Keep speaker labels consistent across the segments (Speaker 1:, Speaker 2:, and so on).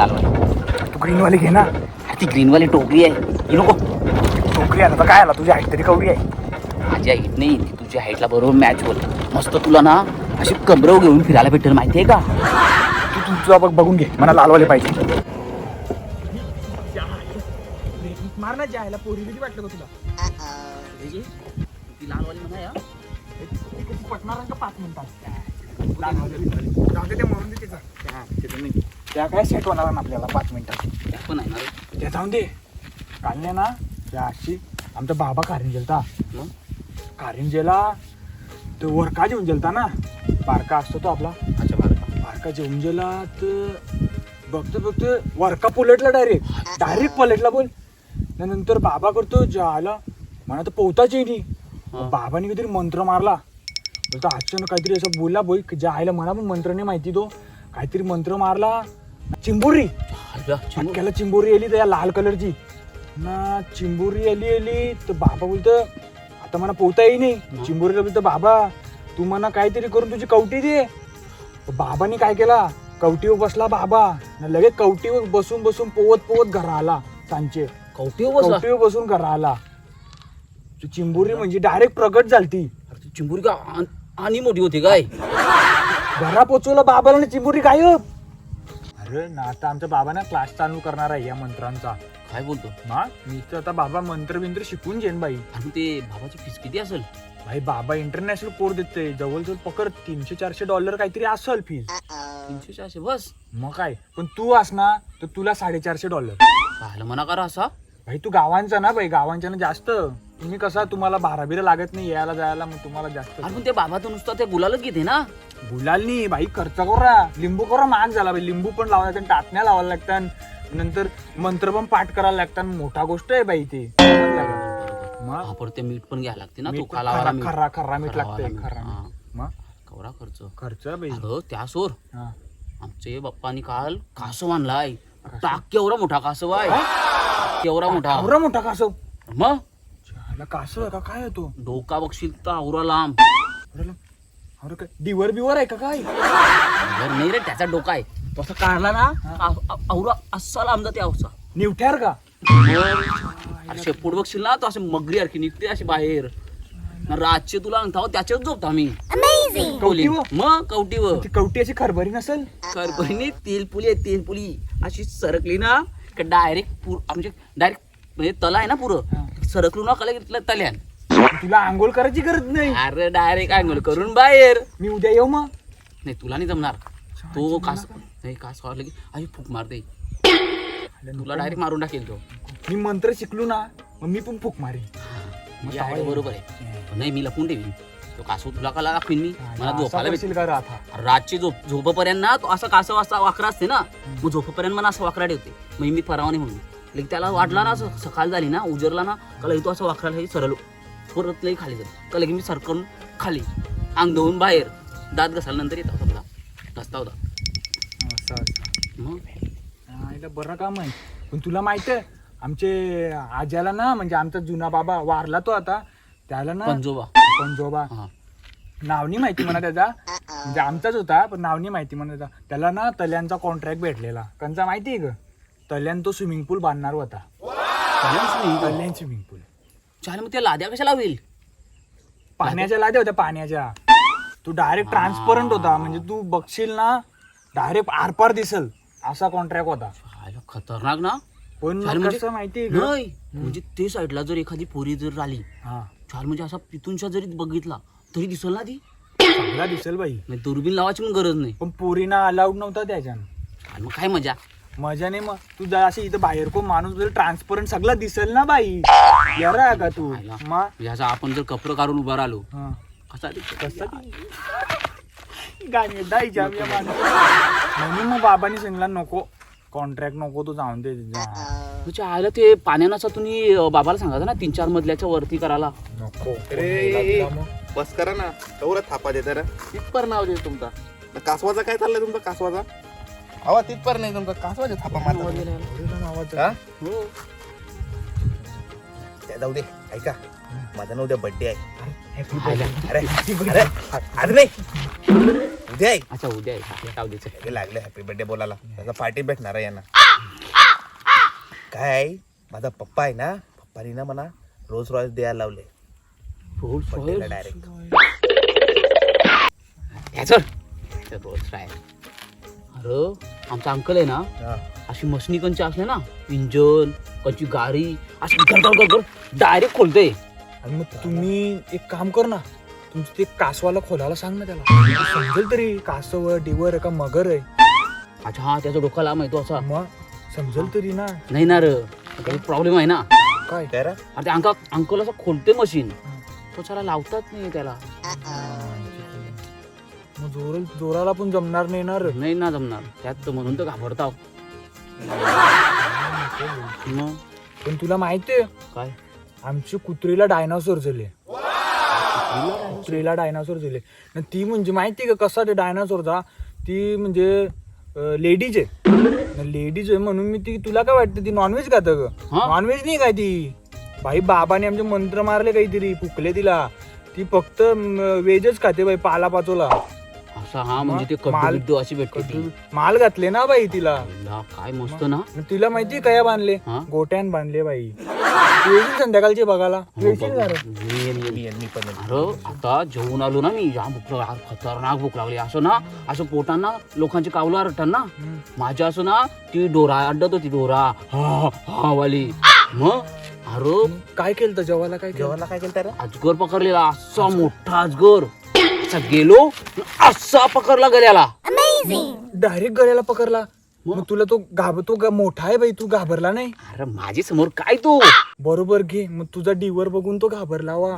Speaker 1: लालवाली.
Speaker 2: तू ग्रीनवाली घे ना.
Speaker 1: ती ग्रीनवाली टोकरी आहे ही नको.
Speaker 2: टोकरी आता काय आला तुझी हाईट तरी कवडी आहे.
Speaker 1: माझी हाईट नाही ती तुझ्या हाईटला बरोबर मॅच होत. मस्त तुला ना अशी कमरव घेऊन फिरायला भेटेल माहितीये का.
Speaker 2: तू तुझा बघून घे मला लालवाले पाहिजे. मार ना जायला पोरी किती वाटलं का तुला.
Speaker 1: ती लालवाली म्हणा या
Speaker 2: पटणार का 5 मिनिटात. ते मरून दे तिचा. त्या काय सेट होणार ना आपल्याला 5 मिनिटात.
Speaker 1: पण आहे ना रे.
Speaker 2: ते जाऊन दे. काढले ना त्या अशी आमचा बाबा कारंजेलता.
Speaker 1: मग
Speaker 2: कारंजेला तो वरका जेवून गेलता ना. बारका असतो तो आपला.
Speaker 1: अच्छा
Speaker 2: बारका जेवून गेला तर बघतो वरका पलटला डायरेक्ट पलटला बोल. नंतर बाबा करतो जायला म्हणा तर पोहताच येईल. बाबाने काहीतरी मंत्र मारला. बोलतो अचानक काहीतरी असं बोलला बोल जायला मला पण मंत्र नाही माहिती. तो काहीतरी मंत्र मारला. चिंबोरी त्याला चिंबोरी आली त्या लाल कलरची ना. चिंबोरी आली तर बाबा बोलतो आता मला पोहता येई नाही. चिंबोरीला बोलतो बाबा तू म्हणा काहीतरी करून तुझी कवटी दे. बाबाने काय केला कवटीवर बसला बाबा. लगेच कवटीवर बसून पोवत घरा आला. सांचे कवटीवर बसून घरा आला. चिंबोरी म्हणजे डायरेक्ट प्रगट झालती.
Speaker 1: चिंबुरी का आणि मोठी होती काय.
Speaker 2: घरा पोचवलं बाबाला आणि चिंबोरी गायब. अरे ना आता आमच्या बाबांना क्लास चालू करणार आहे या मंत्रांचा.
Speaker 1: काय बोलतो
Speaker 2: ना मी तर आता बाबा मंत्र शिकून घेईन बाई.
Speaker 1: आणि ते बाबाची फीस किती असेल.
Speaker 2: भाई बाबा इंटरनॅशनल कोर्स देते. जवळजवळ पकड $300-400 काहीतरी असेल फीस.
Speaker 1: 300-400 बस.
Speaker 2: मग काय पण तू असना तर तुला $450.
Speaker 1: पाहिलं म्हणा करा असा.
Speaker 2: भाई तू गावांचा ना भाई गावांच्या ना जास्त. तुम्ही कसा तुम्हाला 12 लागत नाही यायला जायला मग तुम्हाला जास्त.
Speaker 1: अरे पण ते बाबा तर नुसतं ते गुलालच घेते ना.
Speaker 2: गुलाल नाही भाई खर्च करा. लिंबू करा महाग झाला भाई. लिंबू पण लावायला लागतात टाटण्या लावायला लागतात. नंतर मंत्र पण पाठ करायला लागतात. मोठा गोष्ट आहे बाई ते.
Speaker 1: मग परत ते मीठ पण घ्यायला लागते ना. तो
Speaker 2: खर्रा मीठ लागतंय. मग
Speaker 1: कवरा
Speaker 2: खर्च बाई.
Speaker 1: त्यासोर आमचे बाप्पानी काल कासव आणलाय. केवढा मोठा कासव आहे. केवढा
Speaker 2: मोठा कासव.
Speaker 1: मग
Speaker 2: कासव आहे का काय आहे तो.
Speaker 1: डोका बघशील तर आवरा लांब.
Speaker 2: अरे काय डिवर बिवर आहे का काय.
Speaker 1: नाही रे त्याचा डोका आहे. तो असं काढला ना आवरा असा लांब जाते. अवसा
Speaker 2: निवठ्यार का.
Speaker 1: अरे शेपूट बघशील ना तो असे मगरी सारखी निघते अशी बाहेर. रातचे तुला अंगठाव त्याच्यात झोपतो आम्ही. मग कवटीवर.
Speaker 2: कवटी अशी खरभरी नसेल.
Speaker 1: खरभरी तेलपुली अशी सरकली ना डायरेक्ट आमचे डायरेक्ट म्हणजे तला आहे ना पुरं सरकलू ना कला तल्यान.
Speaker 2: तुला आंघोळ करायची गरज नाही.
Speaker 1: अरे डायरेक्ट आंघोळ करून बाहेर.
Speaker 2: मी उद्या येऊ मग.
Speaker 1: नाही तुला नाही जमणार. तो कास नाही कास खावला की अशी फूक मारते. तुला डायरेक्ट मारून टाकेल तो.
Speaker 2: मी मंत्र शिकलो ना मग मी पण फूक मारेन.
Speaker 1: बरोबर आहे. नाही मी लपून ठेवीन तो कासव. तुला कला दाखवीन मी. मला झोपायला भेटेल
Speaker 2: का राहता.
Speaker 1: रातची झोपपर्यंत ना तो असा कासव असा वाकरा असते ना. मग झोपपर्यंत मला असं वाकरा ठेवते. मग मी फरावाने म्हणून लेक त्याला वाटला ना असं सकाळ झाली ना उजरला ना कला तो असं वाकराला सरळ परत लई खाली जातो. कला की मी सरकून खाली अंग धुवून बाहेर दात घसायला नंतर येत होता घसता होता.
Speaker 2: मग बरं काम आहे. पण तुला माहित आहे आमचे आज्याला ना म्हणजे आमचा जुना बाबा वारला तो आता. त्याला ना पंजोबा नाव नाही माहिती म्हणा त्याचा. म्हणजे आमचाच होता पण नाव नाही माहिती म्हणा. त्याला ना तल्यांचा कॉन्ट्रॅक्ट भेटलेला. कंचा माहिती आहे ग. तल्यान तो स्विमिंग पूल बांधणार होता. तल्यान स्विमिंग पूल.
Speaker 1: चालेल मग त्या लाद्या कशाला होईल.
Speaker 2: पाण्याच्या लाद्या होत्या पाण्याच्या. तू डायरेक्ट ट्रान्सपरंट होता. म्हणजे तू बघशील ना डायरेक्ट आरपार दिसल असा कॉन्ट्रॅक्ट होता.
Speaker 1: खतरनाक ना.
Speaker 2: पण कसं माहिती
Speaker 1: नाही म्हणजे ते साईडला जर एखादी पोरी जर राहिली चाल म्हणजे असा पितूनशा जरी बघितला तरी दिसल ना ती.
Speaker 2: चांगला दिसेल बाई.
Speaker 1: दुर्बीन लावायची पण गरज नाही.
Speaker 2: पण पोरीना अलाउड नव्हता त्याच्यानं.
Speaker 1: मग काय मजा
Speaker 2: नाही. मग तू जर अशी इथं बाहेर कोण माणूस ट्रान्सपरंट सगळं दिसेल ना बाई. येरा का तू.
Speaker 1: मग आपण जर कपडे काढून उभा राहिलो कसा
Speaker 2: गाणी दाईच्या म्हणून मग बाबांनी सांगितला नको कॉन्ट्रॅक्ट नको तू जाऊन दे.
Speaker 1: तुझ्या आयला ते पाण्याचा तुम्ही बाबाला सांगायचं ना 3-4 मजल्याच्या वरती करायला
Speaker 2: नको.
Speaker 3: बस करा ना तेवढं थापा देता ना. तिथपर नाव दे तुमचा. कासवाचा काय चाललंय तुमचा कासवाचा. हवा तिथपर नाही तुमचा कासवाचा थापा मारला. जाऊ दे ऐका माझा ना उद्या बर्थडे आहे. अरे आज नाही उद्या आहे.
Speaker 1: अच्छा उद्या आहे.
Speaker 3: लागले हॅपी बर्थडे बोलायला. त्याचा पार्टी भेटणार आहे यांना. काय माझा पप्पा आहे ना, पप्पानी ना मला रोज रॉयल द्यायला लावले डायरेक्ट.
Speaker 1: अरे आमचा अंकल आहे ना, अशी मशनी कंची असले ना, इंजन कंची गाडी अशी डायरेक्ट खोलते.
Speaker 2: आणि मग तुम्ही एक काम कर ना, तुमचं ते कासवाला खोलायला सांग ना त्याला, समजेल तरी कासव डिवर का मगर आहे.
Speaker 1: अच्छा हा, त्याचा डोका लांब आहे तो असा.
Speaker 2: मग समजेल तरी ना.
Speaker 1: नाही ना रे, काही प्रॉब्लेम आहे ना.
Speaker 2: काय
Speaker 3: त्याला
Speaker 1: अरे ते अंकल असं खोलते मशीन, तो त्याला लावतात नाही त्याला.
Speaker 2: मग जोराला पण जमणार नाही ना रे.
Speaker 1: नाही ना जमणार त्यात, तर म्हणून तर घाबरताव. मग
Speaker 2: पण तुला माहितीये
Speaker 1: काय,
Speaker 2: आमची कुत्रीला डायनासोर झाले. कुत्रीला डायनासोर झाले. आणि ती म्हणजे माहिती का कसा ते डायनासोरचा, ती म्हणजे लेडीज आहे. लेडीज आहे म्हणून मी ती, तुला काय वाटतं ती नॉनव्हेज खातं ग? नॉनव्हेज नाही काय ती. भाई बाबाने आमचे मंत्र मारले काहीतरी, फुकले तिला. ती फक्त व्हेजच खाते बाई, पाला पाचोला
Speaker 1: असा. हा म्हणजे ते कड्डू अशी भेटते ती.
Speaker 2: माल घातले ना बाई तिला.
Speaker 1: काय मस्त ना.
Speaker 2: तिला माहिती काय बांधले, गोट्यान बांधले बाई. येशील संध्याकाळची बघायला, येशील का रे?
Speaker 1: अरे आता जेवून आलो ना मी, जाम भूक लागली, खतरनाक भूक लागली. असं ना, असं पोटांना लोकांची कावलं आरटतात ना, माझ्या असं ना ती डोरा अड्डत होती, डोरा हा हा वाली. मग अरे
Speaker 2: काय केलं जेवायला, काय
Speaker 3: जेवायला काय केलं त्याला?
Speaker 1: अजगर पकडलेला, असा मोठा अजगर. असा गेलो, असा पकडला गल्याला,
Speaker 2: डायरेक्ट गळ्याला पकडला. मग तुला तो मोठा आहे बाई, तू घाबरला नाही?
Speaker 1: अरे माझी समोर काय तू.
Speaker 2: बरोबर घे, मग तुझा डिवर बघून तो घाबरला वा.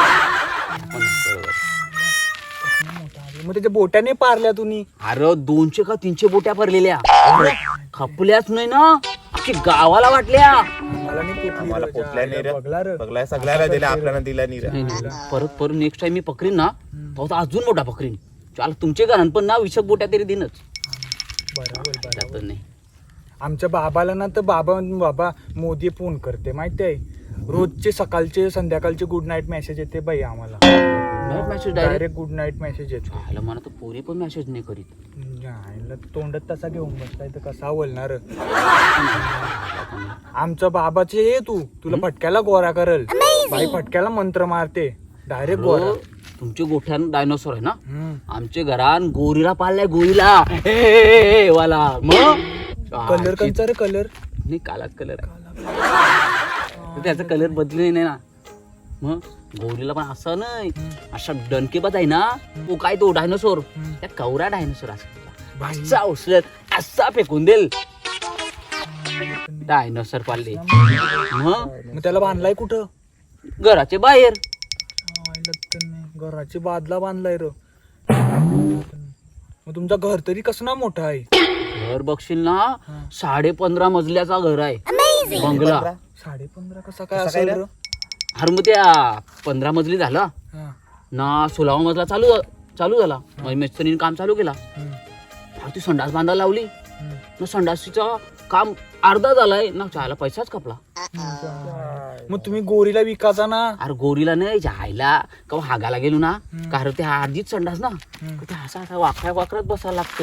Speaker 2: मग त्याच्या बोट्याने पारल्या तुम्ही?
Speaker 1: अरे 200 का 300 बोट्या भरलेल्या, खपल्याच नाही ना, अख्खी गावाला वाटल्या.
Speaker 3: मला पोचल्या नाही रे, बघला सगळ्याला दिल्या, आपल्याला दिला नाही रे.
Speaker 1: परत नेक्स्ट टाइम मी पकरीन ना, तो अजून मोठा पकरीन. चाल तुमचे घरान पण ना 20 बोट्या तरी देणच.
Speaker 2: बरोबर.
Speaker 1: नाही
Speaker 2: आमच्या बाबाला ना, तर बाबा मोदी फोन करते माहिती आहे, रोजचे सकाळचे संध्याकाळचे गुड नाईट मेसेज येते बाई आम्हाला.
Speaker 1: Message
Speaker 2: direct good night message येतो.
Speaker 1: मला तर पोरी पण मेसेज नाही करीत.
Speaker 2: तोंडात तसा घेऊन बसलाय तर कसा बोलणार. आमच्या बाबाचे ये तुला फटक्याला गोरा करल बाई, फटक्याला मंत्र मारते डायरेक्ट गोरा.
Speaker 1: तुमच्या गोठ्यान डायनोसॉर आहे ना, आमच्या घरान गोरीला पाळलाय, गोरीला वाला. मग
Speaker 2: कलर कंचा रे, कलर
Speaker 1: नाही कालाच कलर आहे, त्याचा कलर बदलले नाही ना. मग गोरीला पण असं नाही, असा डणकेबाज आहे ना तो, काय तो डायनोसॉर, त्या कवरा डायनोसॉर असा उचलत असा फेकून देईल. डायनोसॉर पाळले.
Speaker 2: मग त्याला बांधलाय कुठं?
Speaker 1: घराच्या बाहेर.
Speaker 2: घराची बादला बांधलाय र. मग तुमचा घर तरी कसं ना मोठा आहे?
Speaker 1: घर बघशील ना, 15.5 मजल्याचा घर आहे, बंगला.
Speaker 2: 15.5 कसा काय असेल?
Speaker 1: अरे मग त्या 15 मजली झाला ना, 16वा मजला चालू झाला. मग मिस्त्रीने काम चालू केला, ती संडास बांधायला लावली ना, संडासीचं काम अर्धा झालाय ना, चहाला पैसाच कपला.
Speaker 2: मग तुम्ही गोरीला विकायचा ना? अरे
Speaker 1: गोरीला नाही, जायला का हागाला गेलो ना, कारण ते अर्धीच संडास ना, ते असा वाकड्यात बसायला लागतंय.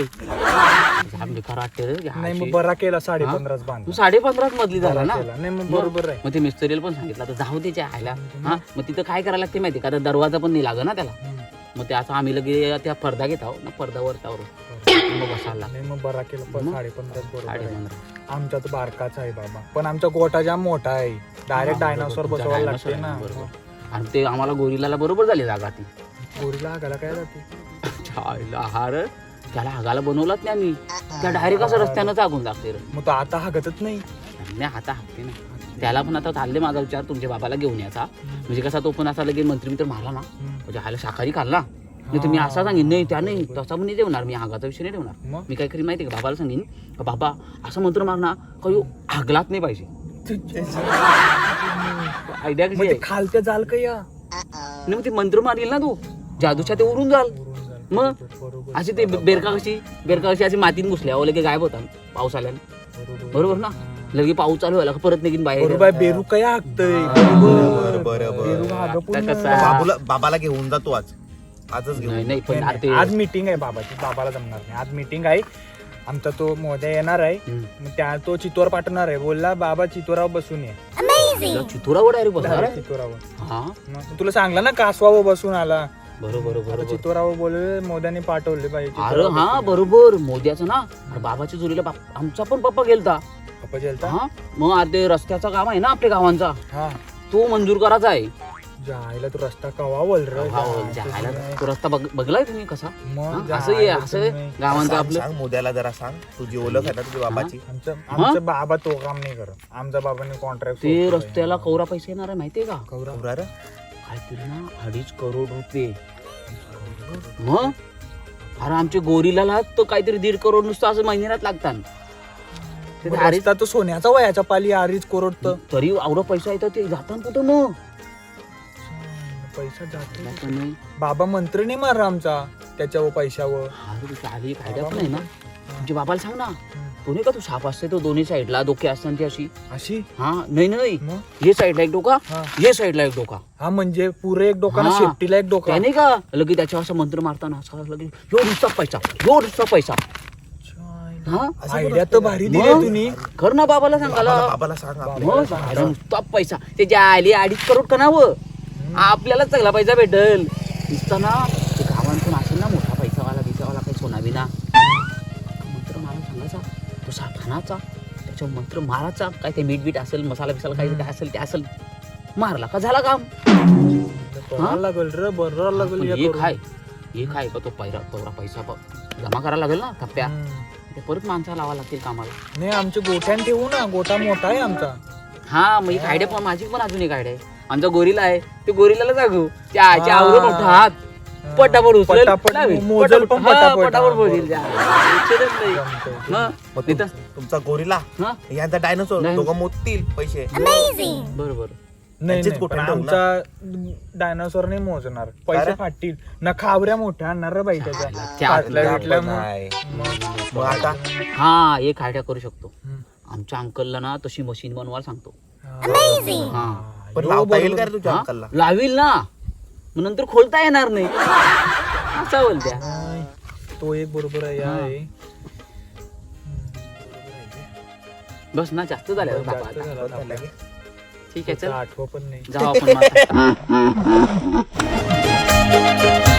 Speaker 2: नाही मग बरा केला, 15.5 बांध.
Speaker 1: 15.5 मजली झाला ना.
Speaker 2: नाही मग बरोबर आहे.
Speaker 1: मग ते मिस्त्रीला पण सांगितलं तर जाऊ दे जायला. हा मग तिथं काय करायला लागते माहिती का, दरवाजा पण नाही लागत ना त्याला. मग ते असं आम्ही लगे त्या पडदा घेतो ना, पडद्यावर मग बसायला.
Speaker 2: नाही मग बरा केला, 15.5 बरोबर. आमचा तर बारकाच आहे बाबा, पण आमचा गोठा जाम मोठा आहे, डायरेक्ट डायनासोर बसवायला लागते ना.
Speaker 1: आणि ते आम्हाला गोरीला बरोबर झाली जागा. ती
Speaker 2: गोरीला हागायला काय जाते?
Speaker 1: त्याला हागायला बनवलाच नाही आम्ही, त्या डायरेक्ट असं रस्त्यानं जागून लागते.
Speaker 2: मग तो आता हागतच नाही?
Speaker 1: नाही आता हागते ना. त्याला पण आता चालले माझा विचार तुमच्या बाबाला घेऊन याचा, म्हणजे कसा तो पण असा लगेच मंत्री मारला ना, म्हणजे ह्याला शाकाहारी खाल्ला नाही तर मी असा सांगेन, नाही त्या नाही तसा पण नाही ठेवणार मी, हागाचा विषय नाही ठेवणार. मी काय करी माहिती का, बाबाला सांगेन बाबा असं मंत्र मारणार का हागलाच नाही पाहिजे. आयडिया कशी आहे?
Speaker 2: खालत्या जाल का या
Speaker 1: नाही, मग ते मंत्र मारील ना तू, जादूच्या ते उरून जाल. मग अशी ते बेरका कशी अशी मातीत घुसल्या लगे गायब होता पाऊस आल्याने, बरोबर ना. लगे पाऊस चालू व्हायला परत निघीन बाहेर.
Speaker 2: बेरू काय हागतय?
Speaker 3: बाबाला घेऊन जातो आजच घेऊन.
Speaker 1: नाही पण
Speaker 2: आज मीटिंग आहे बाबाची, बाबाला जमणार नाही. आज मीटिंग आहे, आमचा तो मोद्या येणार आहे, मग त्या तो चितोर पाठवणार आहे. बोलला बाबा चितोरावर बसून ये.
Speaker 1: तुला चितोरावर डायरेक्ट बसणार आहे?
Speaker 2: चितोरावर.
Speaker 1: हा
Speaker 2: मग तुला सांगला ना कासवावर बसून आला.
Speaker 1: बरोबर
Speaker 2: आता
Speaker 1: बरोबर.
Speaker 2: चितोरावर बोलले मोद्याने पाठवले पाहिजे.
Speaker 1: अरे हा बरोबर मोद्याचं ना. अरे बाबाच्या चोरीला आमचा पण पप्पा गेलता.
Speaker 2: पप्पा जेलता.
Speaker 1: हा मग अरे ते रस्त्याचा काम आहे ना आपल्या गावांचा,
Speaker 2: हा
Speaker 1: तो मंजूर करायचा आहे.
Speaker 2: जायला तू रस्ता कवा बोल रे.
Speaker 1: हा, जायला तो रस्ता बघलाय तुम्ही कसा?
Speaker 2: मग
Speaker 1: हा, असं आहे असं आहे
Speaker 2: तुम्ही.
Speaker 1: गावांचं
Speaker 3: सांग
Speaker 1: आपलं.
Speaker 3: सांग मोद्याला जरा सांग, तुझी ओळख आहे ना तुझ्या बाबाची.
Speaker 2: आमचा बाबा तो काम नाही करत. आमचा बाबाने कॉन्ट्रॅक्ट
Speaker 1: ते रस्त्याला कवरा पैसे येणार आहे माहितीये का?
Speaker 3: कवरा रे?
Speaker 1: काहीतरी ना 2.5 करोड रुपये. मग अरे आमच्या गोरीला तर काहीतरी 1.5 करोड नुसतं असं महिन्यात लागतात. ते अरे
Speaker 2: रस्ता तो सोन्याचा वयाचा पाली 2.5 करोड तर
Speaker 1: तरी एवढं पैसा येतं ते जातात कुठं मग?
Speaker 2: पैसा जातो.
Speaker 1: जातं नाही.
Speaker 2: बाबा मंत्र नाही मारला आमचा त्याच्यावर पैशावर.
Speaker 1: अरे तिथे आली फायदा पण आहे ना. तुमच्या बाबाला सांग ना, तो नाही का तू साप असते तो दोन्ही साईडला डोके असतात ती अशी.
Speaker 2: अशी
Speaker 1: हा नाही नाही,
Speaker 2: मग
Speaker 1: हे साईडला एक डोका,
Speaker 2: हा.
Speaker 1: हे साईडला एक डोका.
Speaker 2: हा म्हणजे पुरे एक डोका ना,
Speaker 1: हा.
Speaker 2: शेपटीला एक डोका.
Speaker 1: काय नाही का लगे त्याच्यावर असं मंत्र मारताना असं लगे यो नुसता पैसा, यो नुसता पैसा. हा
Speaker 2: आयडिया तर भारी दिली
Speaker 1: मग?
Speaker 2: तुम्ही.
Speaker 1: कर ना बाबाला सांगायला.
Speaker 3: बाबाला सांग आपल्या.
Speaker 1: मग अरे नुसता पैसा ते जे आले 2.5 करोड कणावं आपल्याला चांगला पैसा भेटल. नुसता ना ते गावांतून असेल ना मोठा पैसावाला बिसावाला काही सोना बिना मंत्र मारा सांगायचा, तो साप हाणाचा, त्याच्यावर मंत्र मारायचा. काय ते मीठ बीट असेल मसाला बिसाला काही काय असेल ते असेल मारला का झाला काम.
Speaker 2: बरोबर लागल रे, बरोबर लागल.
Speaker 1: पण
Speaker 2: हे
Speaker 1: एक
Speaker 2: करून.
Speaker 1: आहे एक आहे का तो तेवढा पैसा जमा करायला लागेल ना थप्प्या.
Speaker 2: हम्म.
Speaker 1: ते परत माणसा लावा लागतील कामाला.
Speaker 2: नाही आमच्या गोठ्यान ठेवू ना, गोठा मोठा आहे आमचा.
Speaker 1: हा मग एक आयडिया पण माझी पण अजून एक आयडिया आहे. आमचा गोरीला आहे ते गोरीला सांगू त्या आवरून मोठा हात पटापट उचलेल,
Speaker 2: पटापट
Speaker 1: लावेल.
Speaker 2: मोजेल पण
Speaker 1: हा,
Speaker 2: पटापट.
Speaker 1: पटापट
Speaker 2: हा,
Speaker 1: मोजेल. विचारच नाही.
Speaker 2: जमतंय.
Speaker 1: हा,
Speaker 3: मग
Speaker 1: नाही तर-
Speaker 3: तुमचा गोरीला
Speaker 1: हा,
Speaker 3: यांचा डायनोसॉर
Speaker 1: नाही.
Speaker 3: दोघं मोजतील पैसे.
Speaker 1: बरोबर.
Speaker 2: नाही
Speaker 3: त्यांचीच
Speaker 2: नाही,
Speaker 3: गोठ्यान
Speaker 2: पण
Speaker 3: ठेवू ना.
Speaker 2: आमचा डायनासोर नाही मोजणार. पैसे
Speaker 3: अरे?
Speaker 2: फाटतील ना, खावऱ्या मोठ्या आणणार रे बाई त्याच्या.
Speaker 1: त्या
Speaker 2: फाटल्या
Speaker 3: त्या
Speaker 2: बिटल्या
Speaker 3: पण
Speaker 2: मग.
Speaker 3: आहे.
Speaker 2: मग.
Speaker 3: मग आता
Speaker 1: हा एक आयडिया करू शकतो.
Speaker 2: हम्म.
Speaker 1: आमच्या अंकलला ना तशी मशीन बनवायला सांगतो.
Speaker 2: हा.
Speaker 1: हा
Speaker 3: पण
Speaker 2: यो,
Speaker 3: लावता येईल
Speaker 2: बरोबर.
Speaker 3: का रे तुझ्या
Speaker 1: हा?
Speaker 3: अंकलला?
Speaker 1: लावील ना, मग नंतर खोलता येणार नाही असं बोलत्या.
Speaker 2: नाही, तो एक बरोबर आहे.
Speaker 1: हा.
Speaker 2: आहे.
Speaker 1: बस ना जास्त झालं
Speaker 2: जास्त
Speaker 1: बाबा आता.
Speaker 2: झालं आता.
Speaker 1: ठीक आहे चल
Speaker 2: आठवं पण नाही.
Speaker 1: जाऊ आपण मग आता.